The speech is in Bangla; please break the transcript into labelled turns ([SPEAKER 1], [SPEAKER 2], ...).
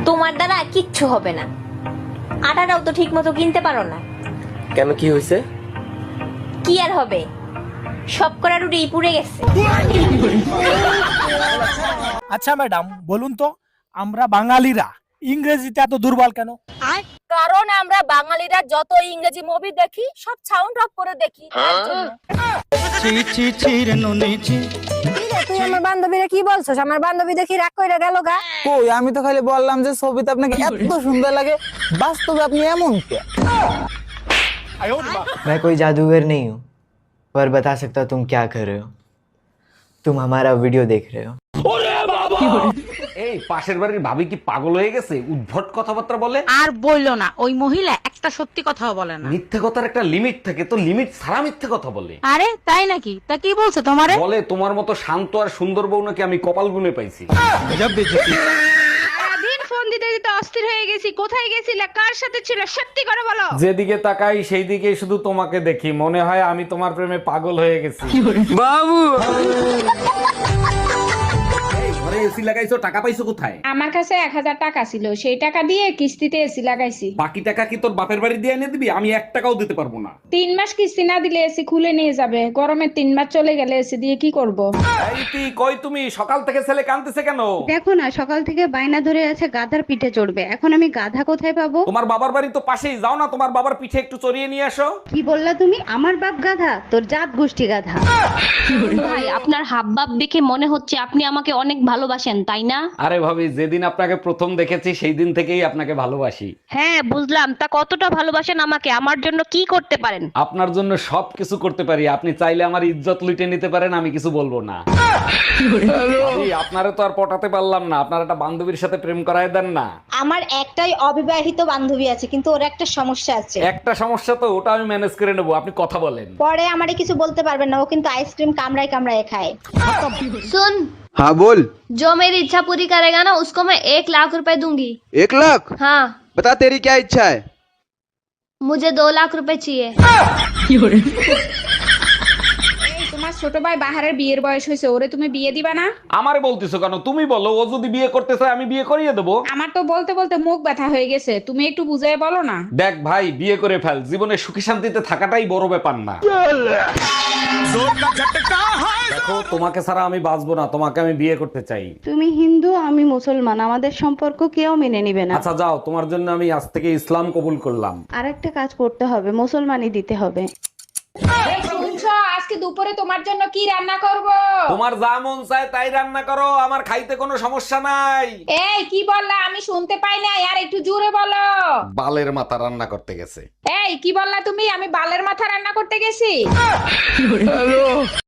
[SPEAKER 1] তোমার দ্বারা কিচ্ছু হবে না, আটাটাও তো ঠিক মতো কিনতে পারো না।
[SPEAKER 2] কেন, কি হয়েছে?
[SPEAKER 1] কি আর হবে, সব করা রুটি পুড়ে গেছে।
[SPEAKER 3] আচ্ছা ম্যাডাম বলুন তো, আমরা বাঙালিরা ইংরেজিতে এত দুর্বল কেন?
[SPEAKER 4] কারণ আমরা বাঙালিরা যত ইংরেজি মুভি দেখি সব সাউন্ড অফ করে দেখি।
[SPEAKER 5] তুই আমার বান্ধবীরা কি বলছস? আমার বান্ধবী দেখি রাগ কইরা গেল গা।
[SPEAKER 6] কই, আমি তো খালি বললাম যে ছবিতে আপনাকে এত সুন্দর লাগে, বাস্তবে আপনি এমন কে?
[SPEAKER 7] मैं कोई जादूगर नहीं हूँ, पर बता सकता हूँ तुम क्या कर रहे हो। तुम हमारा वीडियो देख रहे हो।
[SPEAKER 8] এই পাশের বাড়ির ভাবি কি পাগল হয়ে গেছে? উদ্ভট কথাবার্তা বলে।
[SPEAKER 4] আর বললো না, ওই মহিলা একটা সত্যি কথাও বলে না।
[SPEAKER 8] মিথ্যে কথার একটা লিমিট থাকে, তো লিমিট ছাড়া মিথ্যে কথা বলে।
[SPEAKER 4] আরে তাই নাকি? তা কি বলছো তোমারে?
[SPEAKER 8] বলে তোমার মতো শান্ত আর সুন্দর বউ নাকি আমি কপাল গুনে পাইছি।
[SPEAKER 4] সারাদিন ফোন দিতে দিতে অস্থির হয়ে গেছি। কোথায় গেছিলে, কার সাথে ছিল, সত্যি করে বলো।
[SPEAKER 8] যেদিকে তাকাই সেই দিকে শুধু তোমাকে দেখি, মনে হয় আমি তোমার প্রেমে পাগল হয়ে গেছি।
[SPEAKER 6] বাবু,
[SPEAKER 8] ঘরে এসি লাগাইছো, টাকা পাইছো কোথায়?
[SPEAKER 9] আমার কাছে 1000 টাকা ছিল, সেই টাকা দিয়ে কিস্তিতে এসি লাগাইছি।
[SPEAKER 8] বাকি টাকা কি তোর বাপের বাড়ি দিয়ে এনে দিবি? আমি 1 টাকাও দিতে পারবো না।
[SPEAKER 9] 3 মাস কিস্তি না দিলে এসি খুলে নিয়ে যাবে। গরমে 3 মাস চলে গেলে এসি দিয়ে কি করব?
[SPEAKER 8] এই তুই কই, তুমি সকাল থেকে ছেলে কাঁদতেছে কেন?
[SPEAKER 10] দেখো না, সকাল থেকে বায়না ধরে আছে গাধার পিঠে চড়বে। এখন আমি গাধা কোথায় পাবো?
[SPEAKER 8] তোমার বাবার বাড়ি তো পাশেই, যাও না তোমার বাবার পিঠে একটু চড়িয়ে নিয়ে আসো।
[SPEAKER 10] কি বললা তুমি? আমার বাপ গাধা? তোর জাত গোষ্ঠী গাধা।
[SPEAKER 1] ভাই, আপনার হাবভাব দেখে মনে হচ্ছে আপনি আমাকে অনেক ভালোবাসেন, তাই না?
[SPEAKER 8] আরে ভাবি, যেদিন আপনাকে প্রথম দেখেছি সেই দিন থেকেই আপনাকে ভালোবাসি।
[SPEAKER 1] হ্যাঁ বুঝলাম, তা কতটা ভালোবাসেন আমাকে? আমার জন্য কি করতে পারেন?
[SPEAKER 8] আপনার জন্য সবকিছু করতে পারি। আপনি চাইলে আমার ইজ্জত লুটে নিতে পারেন, আমি কিছু বলবো না। ভাবি, আপনারে তো আর পটাতে পারলাম না, আপনার একটা বান্ধবীর সাথে প্রেম করায় দেন না।
[SPEAKER 5] আমার একটাই অবিবাহিত বান্ধবী আছে, কিন্তু ওর একটা সমস্যা আছে।
[SPEAKER 8] একটা সমস্যা তো, ওটা আমি ম্যানেজ করে নেবো, আপনি কথা বলেন।
[SPEAKER 5] পরে আমারে কিছু বলতে পারবেন না, ও কিন্তু আইসক্রিম কামড়ায় কামড়ায় খায়।
[SPEAKER 1] सुन,
[SPEAKER 11] हाँ बोल।
[SPEAKER 1] जो मेरी इच्छा पूरी करेगा ना, उसको मैं 1 लाख रुपए दूंगी।
[SPEAKER 11] 1 लाख?
[SPEAKER 1] हाँ,
[SPEAKER 11] बता तेरी क्या इच्छा है?
[SPEAKER 1] मुझे 2 लाख रुपए चाहिए।
[SPEAKER 9] এই তোমার ছোট ভাই বাহারের বিয়ের বয়স হয়েছে, ওরে তুমি বিয়ে দিবা না?
[SPEAKER 8] আমারে বলতেছো কেন? তুমি বলো, ও যদি বিয়ে করতে চায় আমি বিয়ে করিয়ে দেবো।
[SPEAKER 9] আমার তো বলতে বলতে মুখ ব্যথা হয়ে গেছে, তুমি একটু বুঝাই বলো না।
[SPEAKER 8] দেখ ভাই, বিয়ে করে ফেল, জীবনে সুখী শান্তিতে থাকাটাই বড় ব্যাপার না। দেখো, তোমাকে ছাড়া আমি বাঁচবো না, তোমাকে আমি বিয়ে করতে চাই।
[SPEAKER 10] তুমি হিন্দু, আমি মুসলমান, আমাদের সম্পর্ক কেউ মেনে নিবে না।
[SPEAKER 8] আচ্ছা যাও, তোমার জন্য আমি আজ থেকে ইসলাম কবুল করলাম।
[SPEAKER 10] আর একটা কাজ করতে হবে, মুসলমানই দিতে হবে।
[SPEAKER 9] এই শুনছো, আজকে দুপুরে তোমার জন্য কি রান্না করব?
[SPEAKER 8] তোমার যা মন চায় তাই রান্না করো, আমার খাইতে কোনো সমস্যা নাই।
[SPEAKER 9] এই কি বললা? আমি শুনতে পাই না, আর একটু জোরে বলো।
[SPEAKER 8] বালের মাথা রান্না করতে গেছে।
[SPEAKER 9] এই কি বললা তুমি? আমি বালের মাথা রান্না করতে গেছি?